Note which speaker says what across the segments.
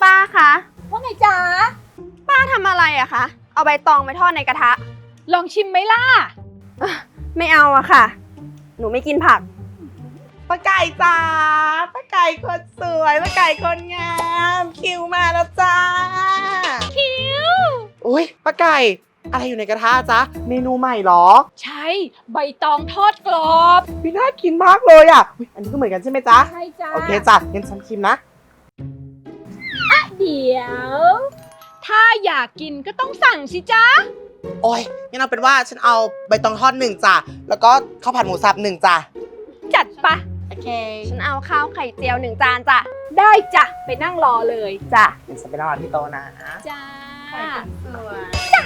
Speaker 1: ป้าคะ
Speaker 2: ว่าไงจ๊ะ
Speaker 1: ป้าทำอะไรอะคะเอาใบตองไปทอดในกระทะ
Speaker 2: ลองชิมไหมล่ะ
Speaker 1: ไม่เอาอะค่ะหนูไม่กินผัก
Speaker 3: ป้าไก่จ้าป้าไก่คนสวยป้าไก่คนงามคิวมาแล้วจ้า
Speaker 2: คิว
Speaker 3: อุ้ยป้าไก่อะไรอยู่ในกระทะจ๊ะเมนูใหม่เหรอ
Speaker 2: ใช่ใบตองทอดกรอบ
Speaker 3: พี่น่ากินมากเลยอ่ะอุ๊ยอันนี้ก็เหมือนกันใช่ไหมจ๊ะ
Speaker 2: ใช่จ้า
Speaker 3: โอเคจ้ะงั้นฉันชิมนะ
Speaker 2: เดี๋ยวถ้าอยากกินก็ต้องสั่งสิจ๊ะ
Speaker 3: โอ้ยงั้นเอาเป็นว่าฉันเอาใบตองทอด1จ้ะแล้วก็ข้าวผัดหมูสับ1จ้ะ
Speaker 2: จัดปะ
Speaker 3: โอเค
Speaker 1: ฉันเอาข้าวไข่เจียว1 จานจ้ะ
Speaker 2: ได้จ้ะไปนั่งรอเลย
Speaker 1: จ้ะ
Speaker 3: เดี๋ยวฉันไปรอที่โต๊ะนะ
Speaker 2: จ้า
Speaker 1: สวย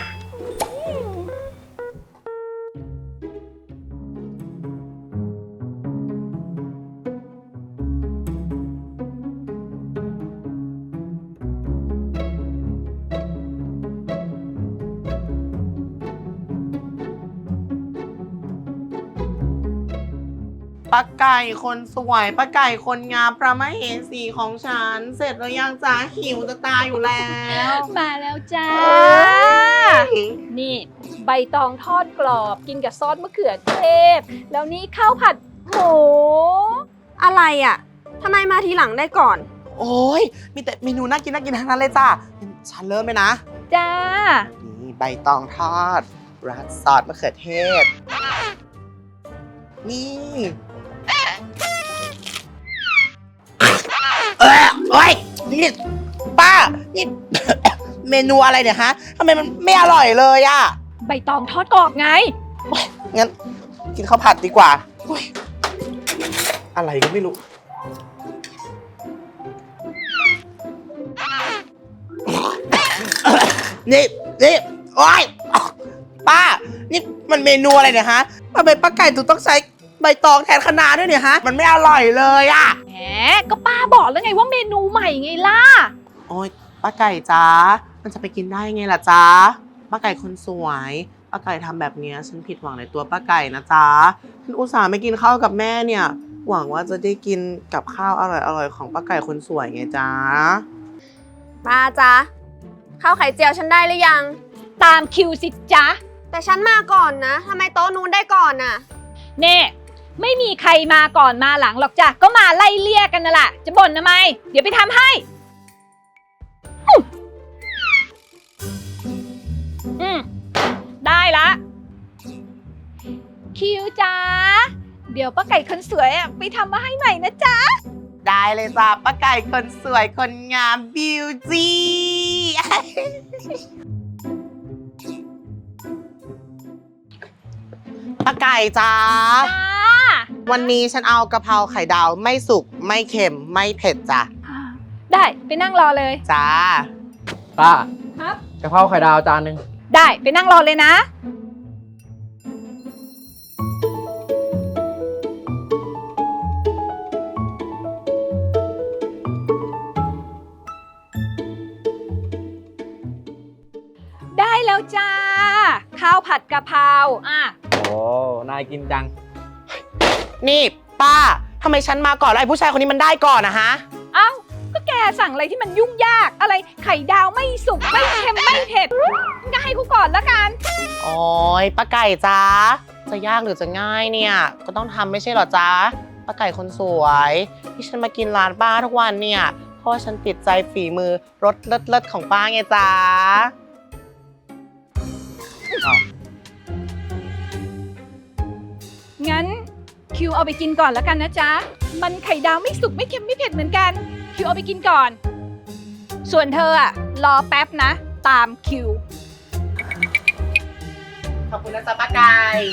Speaker 3: ป้าไก่คนสวยป้าไก่คนงามพระมเหสีของฉันเสร็จแล้วยังจ้าหิวจะตายอยู่แล้ว
Speaker 2: มาแล้วจ้านี่ใบตองทอดกรอบกินกับซอสมะเขือเทศแล้วนี่ข้าวผัดหมู
Speaker 1: อะไรอะทำไมมาทีหลังได้ก่อน
Speaker 3: โอ้ยมีแต่เมนูน่ากินทั้งนั้นเลยจ้าฉันเริ่มเลยนะ
Speaker 2: จ้า
Speaker 3: นี่ใบตองทอดราดซอสมะเขือเทศนี่โอ้ยนี่ป้านี่ เมนูอะไรเนี่ยฮะทำไมมันไม่อร่อยเลยอะ
Speaker 2: ใบตองทอดกรอบไง
Speaker 3: งั้นกินข้าวผัดดีกว่าอะไรก็ไม่รู้นี่โอ๊ยป้านี่มันเมนูอะไรเนี่ยฮะทำไมป้าไก่ต้องใช้ใบตองแทนคะน้าด้วยเนี่ยฮะมันไม่อร่อยเลยอะ
Speaker 2: แหมก็ป้าบอกแล้วไงว่าเมนูใหม่ไงล่ะ
Speaker 3: โอ๊ยป้าไก่จ้ามันจะไปกินได้ไงล่ะจ้าป้าไก่คนสวยป้าไก่ทำแบบนี้ฉันผิดหวังในตัวป้าไก่นะจ้าฉันอุตส่าห์ไม่กินข้าวกับแม่เนี่ยหวังว่าจะได้กินกับข้าวอร่อยๆของป้าไก่คนสวยไงจ้า
Speaker 1: ป้าจ๊ะข้าวไข่เจียวฉันได้หรือยัง
Speaker 2: ตามคิวสิจ๊ะ
Speaker 1: แต่ฉันมาก่อนนะทำไมโต๊ะนู้นได้ก่อนน่ะ
Speaker 2: เน่ไม่มีใครมาก่อนมาหลังหรอกจ้ะก็มาไล่เลี่ยกันนั่นแหละจะบ่นทำไมเดี๋ยวไปทำให้ได้ละคิวจ้าเดี๋ยวป้าไก่คนสวยไปทำมาให้ใหม่นะจ๊ะ
Speaker 3: ได้เลยจ้าป้าไก่คนสวยคนงามบิวตี้ป้าไก่จ้าวันนี้ฉันเอากะเพราไข่ดาวไม่สุกไม่เค็มไม่เผ็ดจ้ะ
Speaker 2: ได้ไปนั่งรอเลย
Speaker 3: จ้า
Speaker 4: ป้า
Speaker 2: ครับ
Speaker 4: กะเพราไข่ดาวจานนึง
Speaker 2: ได้ไปนั่งรอเลยนะได้แล้วจ้าข้าวผัดกะเพรา
Speaker 4: โอ้น่ากินจัง
Speaker 3: นี่ป้าทำไมฉันมาก่อนแล้วไอ้ผู้ชายคนนี้มันได้ก่อนนะฮะ
Speaker 2: เอ้าก็แกสั่งอะไรที่มันยุ่งยากอะไรไข่ดาวไม่สุกไม่เค็มไม่เผ็ดก็ให้กูก่อนละกัน
Speaker 3: โอ้ยป้าไก่จ้าจะยากหรือจะง่ายเนี่ยก็ต้องทำไม่ใช่หรอจ้าป้าไก่คนสวยที่ฉันมากินร้านป้าทุกวันเนี่ยเพราะว่าฉันติดใจฝีมือรสเลิศๆของป้าไงจ้า
Speaker 2: งั้นคิวเอาไปกินก่อนแล้วกันนะจ๊ะมันไข่ดาวไม่สุกไม่เค็มไม่เผ็ดเหมือนกันคิวเอาไปกินก่อนส่วนเธอรอแป๊บนะตามคิว
Speaker 3: ขอบคุณนะจ๊ะป้าไก่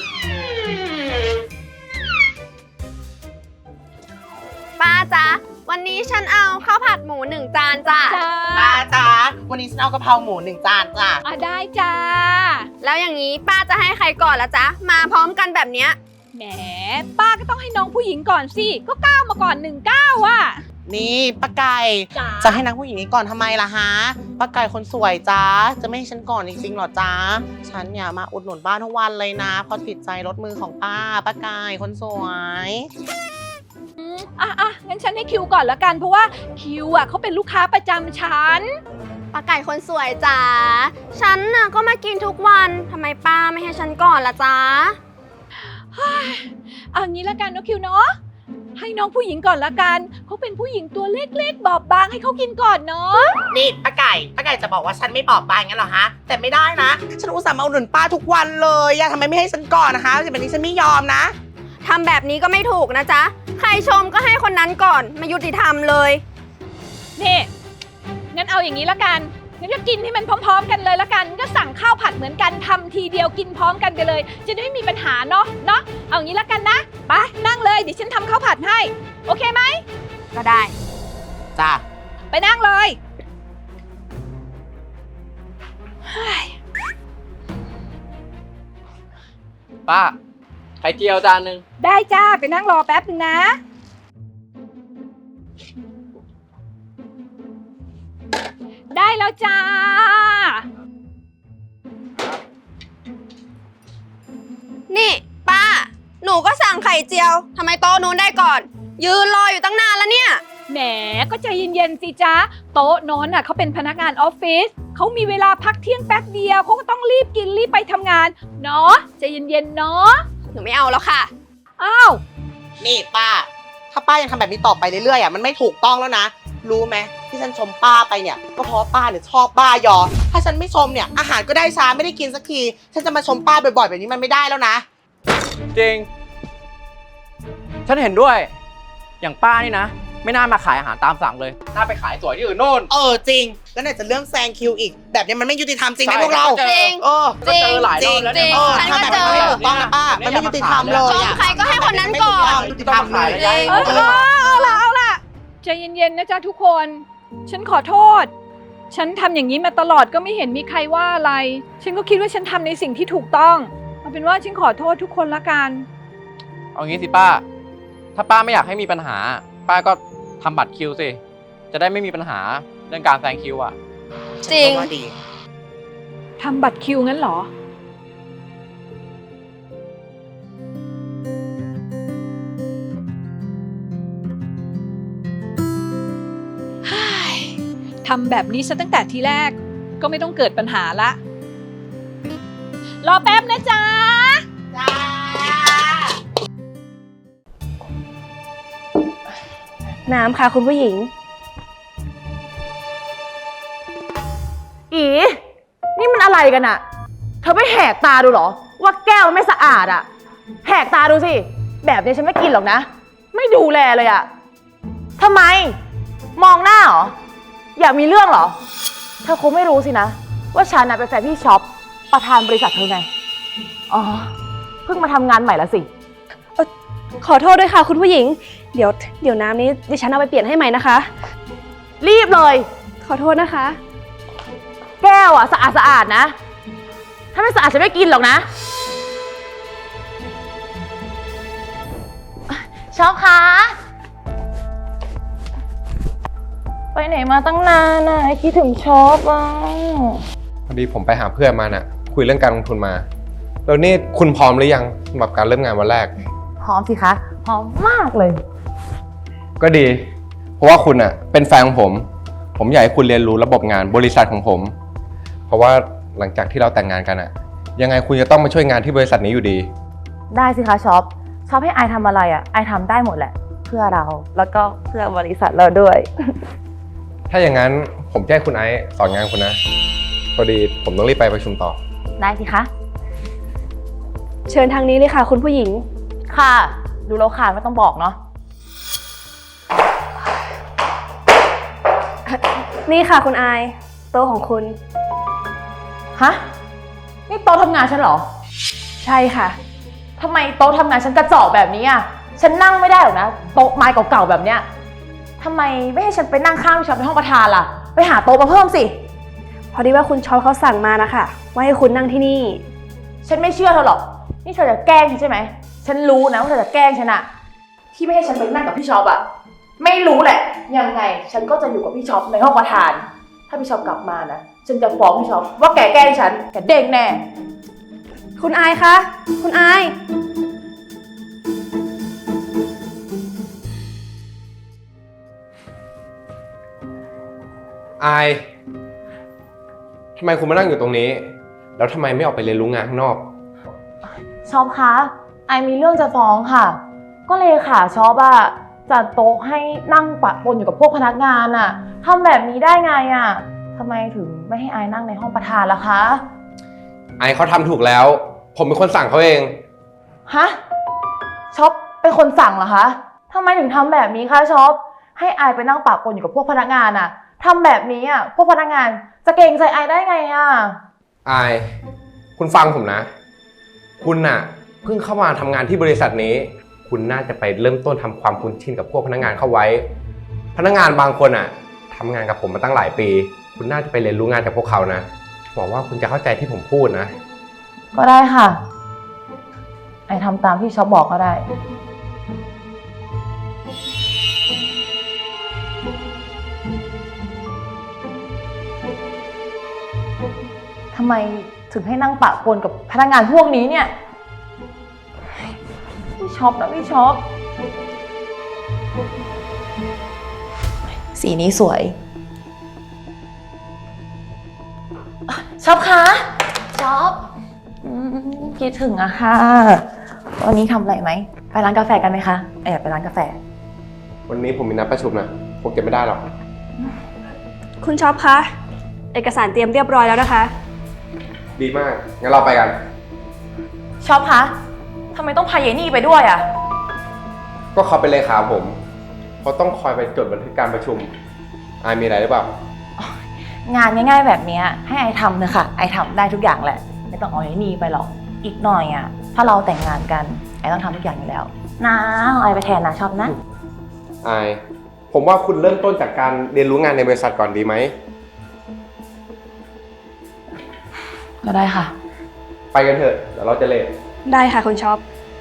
Speaker 1: ป้าจ๊ะวันนี้ฉันเอาข้าวผัดหมู1 จานจ้ะ
Speaker 3: ป้าจ๊ะวันนี้ฉันเอากะเพราหมู1 จานจ้ะ
Speaker 2: ได้จ้า
Speaker 1: แล้วอย่างนี้ป้าจะให้ใครก่อนละจ๊ะมาพร้อมกันแบบเนี้ย
Speaker 2: แหมป้าก็ต้องให้น้องผู้หญิงก่อนสิก็ก้าวมาก่อน19อ่ะ
Speaker 3: นี่ป้าไก่จะให้นางผู้หญิงนี้ก่อนทำไมล่ะฮะป้าไก่คนสวยจ้าจะไม่ให้ฉันก่อนจริงๆหรอจ้าฉันเนี่ยมาอุดหนุนบ้านทุกวันเลยนะเพราะติดใจรสมือของป้าไก่คนสวย
Speaker 2: งั้นฉันให้คิวก่อนละกันเพราะว่าคิวเขาเป็นลูกค้าประจำฉัน
Speaker 1: ป้าไก่คนสวยจ๋า ฉันน่ะก็มากินทุกวันทำไมป้าไม่ให้ฉันก่อนล่ะจ๊ะ
Speaker 2: เอางี้ละกันเนาะคิวเนาะให้น้องผู้หญิงก่อนละกันเขาเป็นผู้หญิงตัวเล็กๆบอบบางให้เขากินก่อนเนาะ
Speaker 3: นี่ป้าไก่จะบอกว่าฉันไม่บอบบางงั้นเหรอฮะ แต่ไม่ได้นะ ฉันอุตส่าห์มาอุดหนุนป้าทุกวันเลยอะทำไมไม่ให้ฉันก่อนนะคะแบบนี้ฉันไม่ยอมนะ
Speaker 1: ทำแบบนี้ก็ไม่ถูกนะจ๊ะ ใครชมก็ให้คนนั้นก่อนไม่ยุติธรรมเลย
Speaker 2: นี่งั้นเอาอย่างนี้ละกันงั้นก็กินให้มันพร้อมๆกันเลยละกันก็สั่งข้าวผัดเหมือนกันทำทีเดียวกินพร้อมกันไปเลย จะได้ไม่มีปัญหาเนาะเอาอย่างนี้ละกันนะไปนั่งเลยเดี๋ยวฉันทำข้าวผัดให้โอเคไหม
Speaker 1: ก็ได้
Speaker 3: จ้า
Speaker 2: ไปนั่งเลย
Speaker 4: ป้า ไข่เจียวจานหนึ่ง
Speaker 2: ได้จ้าไปนั่งรอแป๊บนึงนะได้แล้วจ้า
Speaker 1: นี่ป้า หนูก็สั่งไข่เจียวทำไมโต๊ะนู้นได้ก่อน ยืนรออยู่ตั้งนานแล้วเนี่ย
Speaker 2: แหมก็ใจเย็นๆสิจ๊ะโต๊ะโน้นเขาเป็นพนักงานออฟฟิศเขามีเวลาพักเที่ยงแป๊บเดียวเขาก็ต้องรีบกินรีบไปทำงานเนาะใจเย็นๆเนาะ
Speaker 1: หนูไม่เอาแล้วค่ะ
Speaker 2: อ้าว
Speaker 3: นี่ป้า ถ้าป้ายังทำแบบนี้ต่อไปเรื่อยๆอะมันไม่ถูกต้องแล้วนะ รู้ไหมที่ฉันชมป้าไปเนี่ยก็เพราะป้าเนี่ยชอบป้ายอ ถ้าฉันไม่ชมเนี่ยอาหารก็ได้ช้าไม่ได้กินสักที ฉันจะมาชมป้าบ่อยๆแบบนี้มันไม่ได้แล้วนะ
Speaker 4: จริง ฉันเห็นด้วย อย่างป้านี่นะ ไม่น่ามาขายอาหารตามสั่งเลย น่าไปขายสวยที่อื่นโน่น
Speaker 3: จริง แล้วไหนจะเรื่องแซงคิวอีก แบบนี้มันไม่ยุติธรรมจริงไหม
Speaker 4: ใช่
Speaker 3: พวกเรา
Speaker 4: จริง
Speaker 3: เออ
Speaker 4: ก็เจอหลายรอบแล้ว
Speaker 1: จริ
Speaker 4: เนี่ย
Speaker 1: ง ฉันก็เจอ
Speaker 3: ทำแบบนี้ไม่ถูกต้องนะป้า มันไม่ยุติธรรมเลย
Speaker 1: ชมใครก็ให้คนนั้นก่อน
Speaker 3: ไม่ยุติธรรมเลย
Speaker 1: จริง
Speaker 2: เอาล่ะใจเย็นๆนะจ๊ะทุกคนฉันขอโทษฉันทำอย่างนี้มาตลอดก็ไม่เห็นมีใครว่าอะไร ฉันก็คิดว่าฉันทำในสิ่งที่ถูกต้องเอาเป็นว่าฉันขอโทษทุกคนละกัน
Speaker 4: เอางี้สิป้า ถ้าป้าไม่อยากให้มีปัญหา ป้าก็ทำบัตรคิวสิ จะได้ไม่มีปัญหาเรื่องการแซงคิวอ่ะ
Speaker 1: จริง
Speaker 3: ว่าดี
Speaker 2: ทำบัตรคิวงั้นเหรอ ทำแบบนี้ซะตั้งแต่ทีแรกก็ไม่ต้องเกิดปัญหาละ รอแป๊บนะจ๊ะ
Speaker 3: จ้า
Speaker 5: น้ำค่ะคุณผู้หญิง
Speaker 6: อีนี่มันอะไรกันอะเธอไม่แหกตาดูเหรอ ว่าแก้วมันไม่สะอาดอะแหกตาดูสิ แบบนี้ฉันไม่กินหรอกนะ ไม่ดูแลเลยอะทำไม มองหน้าเหรอ อยากมีเรื่องเหรอ เธอคงไม่รู้สินะ ว่าฉันเป็นแฟนพี่ช็อปประธานบริษัทเธอไง อ๋อ เพิ่งมาทำงานใหม่ละสิ
Speaker 5: ขอโทษด้วยค่ะคุณผู้หญิง เดี๋ยวน้ำนี้ดิฉันเอาไปเปลี่ยนให้ใหม่นะคะ
Speaker 6: รีบเลย
Speaker 5: ขอโทษนะคะ
Speaker 6: แก้วอะสะอาดนะ ถ้าไม่สะอาดฉันไม่กินหรอกนะช็อปคะไปไหนมาตั้งนานน่ะคิดถึงช็อปอ่ะ
Speaker 7: พอดีผมไปหาเพื่อนมาน่ะ คุยเรื่องการลงทุนมา แล้วนี่คุณพร้อมหรือยังสำหรับการเริ่มงานวันแรก
Speaker 6: พร้อมสิคะ พร้อมมากเลย
Speaker 7: ก็ดี เพราะว่าคุณอ่ะเป็นแฟนของผม ผมอยากให้คุณเรียนรู้ระบบงานบริษัทของผม เพราะว่าหลังจากที่เราแต่งงานกันอ่ะ ยังไงคุณจะต้องมาช่วยงานที่บริษัทนี้อยู่ดี
Speaker 6: ได้สิคะช็อปให้ไอทำอะไรอ่ะไอทำได้หมดแหละ เพื่อเราแล้วก็เพื่อบริษัทเราด้วย
Speaker 7: ถ้าอย่างนั้นผมจะให้คุณไอซ์สอนงานคุณนะ พอดีผมต้องรีบไปประชุมต่อ
Speaker 6: ได้สิคะ
Speaker 5: เชิญทางนี้เลยค่ะคุณผู้หญิง
Speaker 6: ค่ะ ดูแล้วค่ะไม่ต้องบอกเนาะ
Speaker 5: นี่ค่ะคุณอาย โต๊ะของคุณ
Speaker 6: ฮะ นี่โต๊ะทำงานฉันเหรอ
Speaker 5: ใช่ค่ะ
Speaker 6: ทำไมโต๊ะทำงานฉันกระจอกแบบนี้อ่ะ ฉันนั่งไม่ได้หรอกนะ โต๊ะไม้เก่าๆแบบเนี้ยทำไมไม่ให้ฉันไปนั่งข้างพี่ช็อปในห้องประธานล่ะ ไปหาโต๊ะมาเพิ่มสิ
Speaker 5: พอดีว่าคุณช็อปเขาสั่งมานะคะว่าให้คุณนั่งที่นี่
Speaker 6: ฉันไม่เชื่อเธอหรอก นี่เธอจะแกล้งฉันใช่ไหม ฉันรู้นะว่าเธอจะแกล้งฉันอะที่ไม่ให้ฉันไปนั่งกับพี่ช็อปอะไม่รู้แหละ ยังไง ฉันก็จะอยู่กับพี่ช็อปในห้องประธาน ถ้าพี่ช็อปกลับมานะ ฉันจะฟ้องพี่ช็อปว่าแกแกล้งฉัน แกเด้งแน่
Speaker 5: คุณอายคะ คุณอาย
Speaker 7: อายทำไมคุณมานั่งอยู่ตรงนี้ แล้วทำไมไม่ออกไปเรียนรู้งานข้างนอก
Speaker 6: ช็อปคะไอมีเรื่องจะฟ้องค่ะ ก็เลยค่ะช็อปอะจัดโต๊ะให้นั่งปะปนอยู่กับพวกพนักงานอะทำแบบนี้ได้ไงอะทำไมถึงไม่ให้ไอนั่งในห้องประธานล่ะคะ
Speaker 7: ไอเขาทำถูกแล้ว ผมเป็นคนสั่งเขาเอง
Speaker 6: ฮะช็อปเป็นคนสั่งเหรอคะทำไมถึงทำแบบนี้คะช็อปให้ไอไปนั่งปะปนอยู่กับพวกพนักงานอะทำแบบนี้อะพวกพนักงานจะเกรงใจไอได้ไงอะ
Speaker 7: อาย คุณฟังผมนะ คุณน่ะเพิ่งเข้ามาทำงานที่บริษัทนี้ คุณน่าจะไปเริ่มต้นทำความคุ้นชินกับพวกพนักงานเข้าไว้ พนักงานบางคนอ่ะทำงานกับผมมาตั้งหลายปี คุณน่าจะไปเรียนรู้งานจากพวกเขานะหวังว่าคุณจะเข้าใจที่ผมพูดนะ
Speaker 6: ก็ได้ค่ะไอทำตามที่ช็อปบอกก็ได้ทำไมถึงให้นั่งปะปนกับพนักงานพวกนี้เนี่ยพี่ช็อปนะพี่ช็อปสีนี้สวยช็อปคะช็อปคิดถึงอะค่ะวันนี้ทำอะไรไหมไปร้านกาแฟกันไหมคะอยากไปร้านกาแฟ
Speaker 7: วันนี้ผมมีนัดประชุมนะผมเก็บไม่ได้หรอก
Speaker 5: คุณช็อปคะ เอกสารเตรียมเรียบร้อยแล้วนะคะ
Speaker 7: ดีมาก งั้นเราไปกัน
Speaker 6: ช็อปคะทำไมต้องพาเยนี่ไปด้วยอะ
Speaker 7: ก็เขาเป็นเลขาผมเขาต้องคอยไปจดบันทึกการประชุมอายมีอะไรหรือเปล่า
Speaker 6: งานง่ายๆแบบนี้ให้ไอทำเถอะค่ะไอทำได้ทุกอย่างแหละไม่ต้องเอาเยนี่ไปหรอกอีกหน่อยอะถ้าเราแต่งงานกันไอต้องทำทุกอย่างอยู่แล้วนะเอาไอไปแทนนะชอบนะ
Speaker 7: อาย ผมว่าคุณเริ่มต้นจากการเรียนรู้งานในบริษัทก่อนดีไหม
Speaker 6: ก็ได้ค่ะ
Speaker 7: ไปกันเถอะ เดี๋ยวเราจะเลท
Speaker 5: ได้ค่ะคุณช็อป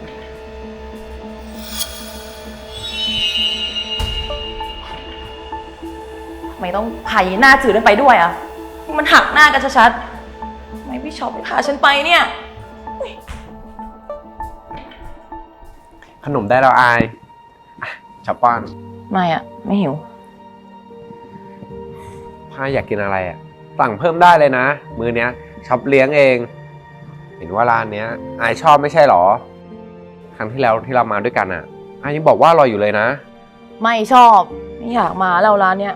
Speaker 6: ทำไมต้องพาเยหน้าจืดนั้นไปด้วยอะมันหักหน้ากันชัดๆทำไมพี่ช็อปไม่พาฉันไปเนี่ย
Speaker 7: ขนมได้แล้วอายชอบป้อน
Speaker 6: ไม่อะไม่หิว
Speaker 7: ถ้าอยากกินอะไรอ่ะ สั่งเพิ่มได้เลยนะ มื้อเนี้ยช็อปเลี้ยงเอง เห็นว่าร้านเนี้ยอายชอบไม่ใช่หรอ ครั้งที่แล้วที่เรามาด้วยกันอ่ะอายยังบอกว่าอร่อยอยู่เลยนะ
Speaker 6: ไม่ชอบไม่อยากมาแล้วร้านเนี้ย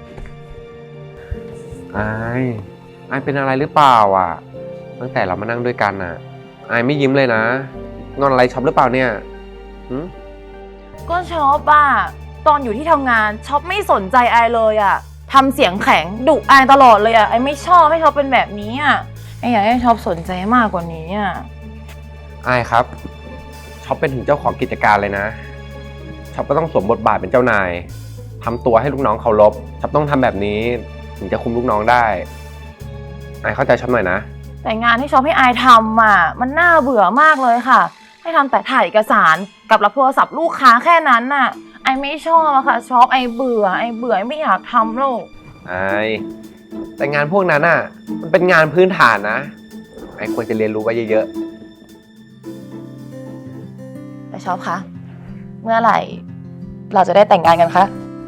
Speaker 7: อายเป็นอะไรหรือเปล่าอ่ะ ตั้งแต่เรามานั่งด้วยกันอ่ะอายไม่ยิ้มเลยนะ งอนอะไรช็อปหรือเปล่าเนี่ยหืม
Speaker 6: ก็ช็อปอะตอนอยู่ที่ทำงานช็อปไม่สนใจไอเลยอะทำเสียงแข็งดุไอตลอดเลยอะไอไม่ชอบให้ช็อปเป็นแบบนี้อะไออยากให้ช็อปสนใจมากกว่านี้อะ
Speaker 7: อายครับช็อปเป็นถึงเจ้าของกิจการเลยนะช็อปก็ต้องสวมบทบาทเป็นเจ้านายทำตัวให้ลูกน้องเคารพช็อปต้องทำแบบนี้ถึงจะคุมลูกน้องได้อายเข้าใจช็อปหน่อยนะ
Speaker 6: แต่งานที่ช็อปให้ไอทำอะมันน่าเบื่อมากเลยค่ะให้ทำแต่ถ่ายเอกสารกับรับโทรศัพท์ลูกค้าแค่นั้นน่ะไอไม่ชอบอะค่ะช็อปไอเบื่อไม่อยากทำแล้ว
Speaker 7: อายแต่งานพวกนั้นอ่ะมันเป็นงานพื้นฐานนะไอควรจะเรียนรู้ไว้เยอะ
Speaker 6: แต่ช็อปคะเมื่อไหร่เราจะได้แต่งงานกันคะ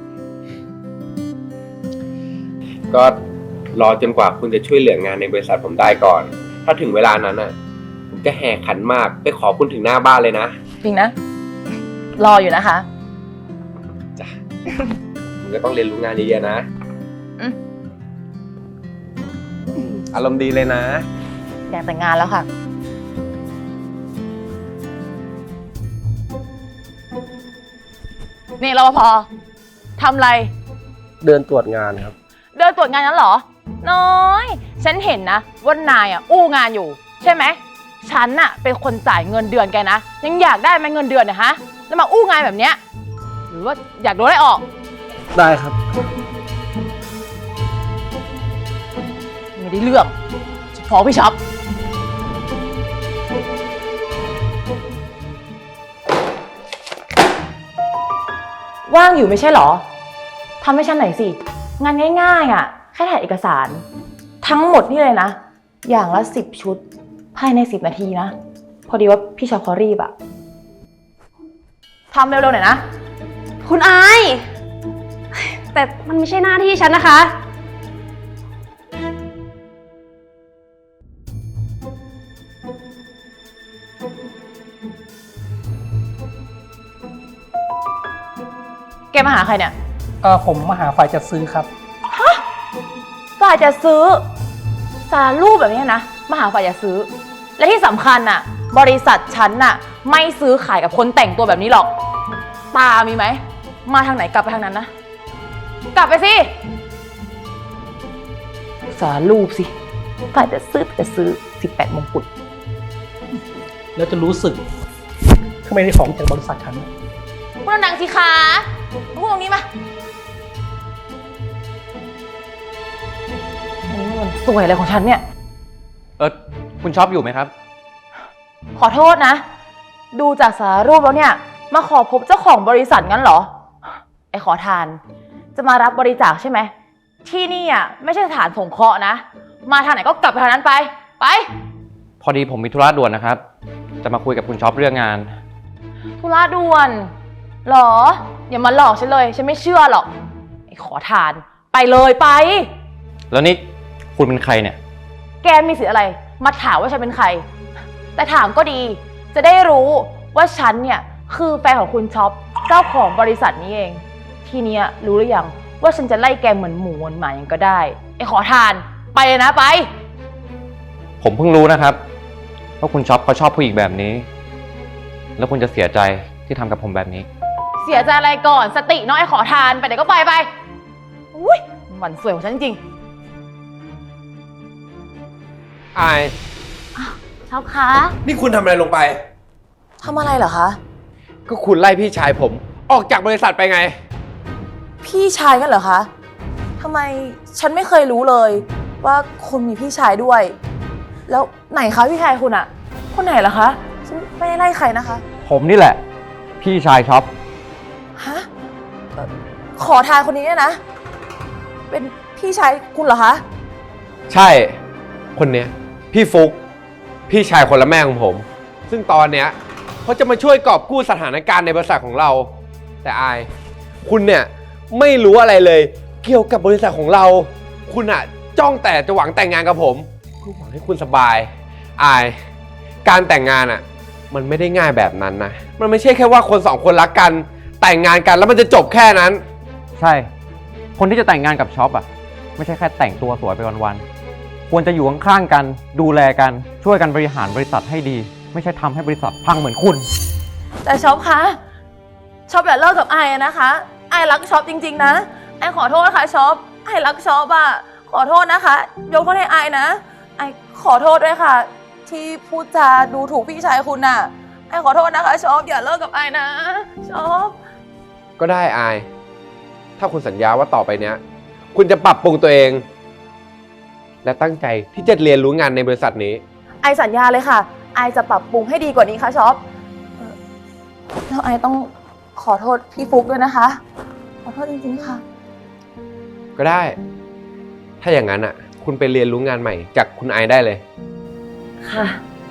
Speaker 7: ๆก็รอจนกว่าคุณจะช่วยเหลืองานในบริษัทผมได้ก่อน ถ้าถึงเวลานั้นอ่ะผมจะแห่ขันหมากไปขอคุณถึงหน้าบ้านเลยนะ
Speaker 6: จริงนะ รออยู่นะคะ
Speaker 7: จ้ะคุณก็ต้องเรียนรู้งานเยอะๆนะ
Speaker 6: อืม
Speaker 7: อารมณ์ดีเลยนะ
Speaker 6: อยากแต่งงานแล้วค่ะ นี่รปภทำอะไร
Speaker 7: เดินตรวจงานครับ
Speaker 6: เดินตรวจงานนั้นเหรอ น้อย ฉันเห็นนะว่านายอู้งานอยู่ ใช่ไหม ฉันเป็นคนจ่ายเงินเดือนแกนะ ยังอยากได้ไหมเงินเดือนเนี่ยฮะ แล้วมาอู้งานแบบเนี้ย หรือว่าอยากโดนไล่ออก
Speaker 7: ได้ครับ
Speaker 6: ไม่ได้เรื่องฟ้องพี่ช็อป ว่างอยู่ไม่ใช่เหรอ ทำให้ฉันหน่อยสิ งานง่ายๆแค่ถ่ายเอกสาร ทั้งหมดนี่เลยนะ อย่างละ10 ชุด ภายใน10 นาทีนะ พอดีว่าพี่ช็อปเขารีบทำเร็วๆหน่อยนะ
Speaker 5: คุณอาย แต่มันไม่ใช่หน้าที่ฉันนะคะ
Speaker 6: มาหาใครเนี่ย
Speaker 8: ผมมาหาฝ่ายจัดซื้อครับ
Speaker 6: ฝ่ายจะซื้อสารรูปแบบนี้นะมาหาฝ่ายจะซื้อ และที่สำคัญน่ะ บริษัทฉันน่ะไม่ซื้อขายกับคนแต่งตัวแบบนี้หรอกตามีไหมมาทางไหนกลับไปทางนั้นนะกลับไปสิสารรูปสิฝ่ายจะซื้อ18 มงกุฎ
Speaker 8: แล้วจะรู้สึกทำไมได้ของจากบริษัทฉัน
Speaker 6: พูดดังๆสิคะพูดตรงนี้มาอันนี้มันสวยอะไรของฉันเนี่ย
Speaker 4: คุณช็อปอยู่ไหมครับ
Speaker 6: ขอโทษนะ ดูจากสารรูปแล้วเนี่ย มาขอพบเจ้าของบริษัทงั้นเหรอ ไอ้ขอทาน จะมารับบริจาคใช่ไหม ที่นี่อ่ะไม่ใช่สถานสงเคราะห์นะ มาทางไหนก็กลับไปทางนั้นไป ไป
Speaker 4: พอดีผมมีธุระด่วนนะครับ จะมาคุยกับคุณช็อปเรื่องงาน
Speaker 6: ธุระด่วนเหรอ อย่ามาหลอกฉันเลย ฉันไม่เชื่อหรอก ไอ้ขอทาน ไปเลยไป
Speaker 4: แล้วนี่คุณเป็นใครเนี่ย
Speaker 6: แกมีสิทธิ์อะไร มาถามว่าฉันเป็นใคร แต่ถามก็ดี จะได้รู้ว่าฉันเนี่ยคือแฟนของคุณช็อป เจ้าของบริษัทนี้เอง ทีเนี้ยรู้หรือยังว่าฉันจะไล่แกเหมือนหมูเหมือนหมายังก็ได้ ไอ้ขอทาน ไปเลยนะไป
Speaker 4: ผมเพิ่งรู้นะครับว่าคุณช็อปเขาชอบผู้หญิงแบบนี้ แล้วคุณจะเสียใจที่ทำกับผมแบบนี้
Speaker 6: เสียใจอะไรก่อน สติน้อยไอ้ขอทาน ไปไหนก็ไปไป อุ้ยหมันสวยของฉันจริง
Speaker 7: อาย
Speaker 6: ๆช็อปคะ
Speaker 7: นี่คุณทำอะไรลงไป
Speaker 6: ทำอะไรเหรอคะ
Speaker 7: ก็คุณไล่พี่ชายผม ออกจากบริษัทไปไง
Speaker 6: พี่ชายกันเหรอคะ ทำไมฉันไม่เคยรู้เลยว่าคุณมีพี่ชายด้วย แล้วไหนคะพี่ชายคุณอะคนไหนเหรอคะ ฉันไม่ได้ไล่ใครนะคะ
Speaker 4: ผมนี่แหละ พี่ชายช็อป
Speaker 6: ฮะขอทานคนนี้เนี่ยนะ เป็นพี่ชายคุณเหรอคะ
Speaker 7: ใช่ คนเนี้ยพี่ฟุก พี่ชายคนละแม่ของผม ซึ่งตอนเนี้ยเขาจะมาช่วยกอบกู้สถานการณ์ในบริษัทของเรา แต่อาย คุณเนี่ยไม่รู้อะไรเลย เกี่ยวกับบริษัทของเรา คุณอะจ้องแต่จะหวังแต่งงานกับผมเพื่อหวังให้คุณสบาย อาย การแต่งงานอะมันไม่ได้ง่ายแบบนั้นนะ มันไม่ใช่แค่ว่าคนสองคนรักกัน แต่งงานกันแล้วมันจะจบแค่นั้น
Speaker 4: ใช่ คนที่จะแต่งงานกับช็อปอ่ะ ไม่ใช่แค่แต่งตัวสวยไปวันๆ ควรจะอยู่ข้างๆกัน ดูแลกัน ช่วยกันบริหารบริษัทให้ดี ไม่ใช่ทำให้บริษัทพังเหมือนคุณ
Speaker 6: แต่ช็อปคะช็อปอย่าเลิกกับไอ้นะคะไอ้รักช็อปจริงๆนะไอ้ขอโทษค่ะช็อปไอ้รักช็อปอะขอโทษนะคะยกโทษให้ไอ้นะไอ้ขอโทษด้วยค่ะ ที่พูดจาดูถูกพี่ชายคุณน่ะไอ้ขอโทษนะคะช็อปอย่าเลิกกับไอ้นะช็อป
Speaker 7: ก็ได้อาย ถ้าคุณสัญญาว่าต่อไปเนี้ย คุณจะปรับปรุงตัวเอง และตั้งใจที่จะเรียนรู้งานในบริษัทนี้
Speaker 6: ไอสัญญาเลยค่ะ ไอจะปรับปรุงให้ดีกว่านี้ค่ะช็อปแล้วไอต้องขอโทษพี่ฟุกด้วยนะคะ ขอโทษจริงๆค่ะ
Speaker 7: ก็ได้ ถ้าอย่างนั้นอ่ะ คุณไปเรียนรู้งานใหม่จากคุณไอได้เลย
Speaker 6: ค่ะ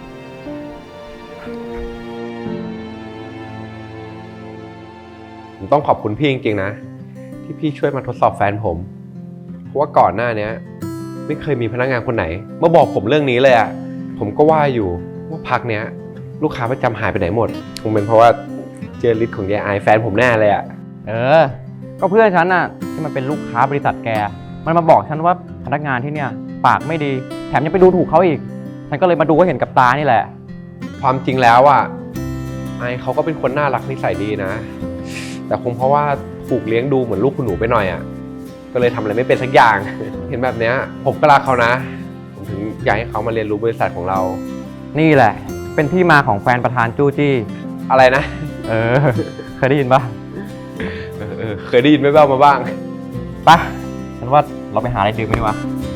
Speaker 7: ผมต้องขอบคุณพี่จริงๆนะ ที่พี่ช่วยมาทดสอบแฟนผม เพราะว่าก่อนหน้านี้ไม่เคยมีพนักงานคนไหนมาบอกผมเรื่องนี้เลยอะผมก็ว่าอยู่ว่าพักเนี้ย ลูกค้าประจำหายไปไหนหมด คงเป็นเพราะว่าเจอฤทธิ์ของยายไอแฟนผมแน่เลยอะ
Speaker 4: ก็เพื่อนฉันน่ะที่มันเป็นลูกค้าบริษัทแก มันมาบอกฉันว่าพนักงานที่เนี่ยปากไม่ดี แถมยังไปดูถูกเขาอีก ฉันก็เลยมาดูให้เห็นกับตานี่แหละ
Speaker 7: ความจริงแล้วอะไอเขาก็เป็นคนน่ารักนิสัยดีนะ แต่คงเพราะว่าถูกเลี้ยงดูเหมือนลูกคุณหนูไปหน่อยอะก็เลยทำอะไรไม่เป็นสักอย่าง เห็นแบบเนี้ยผมก็รักเขานะ ผมถึงอยากให้เขามาเรียนรู้บริษัทของเรา
Speaker 4: นี่แหละ เป็นที่มาของแฟนประธานจู้จี้
Speaker 7: อะไรนะ
Speaker 4: เคยได้ยินปะ
Speaker 7: เคยได้ยินแว่วๆมาบ้าง
Speaker 4: ไปฉันว่าเราไปหาอะไรดื่มกันดีกว่า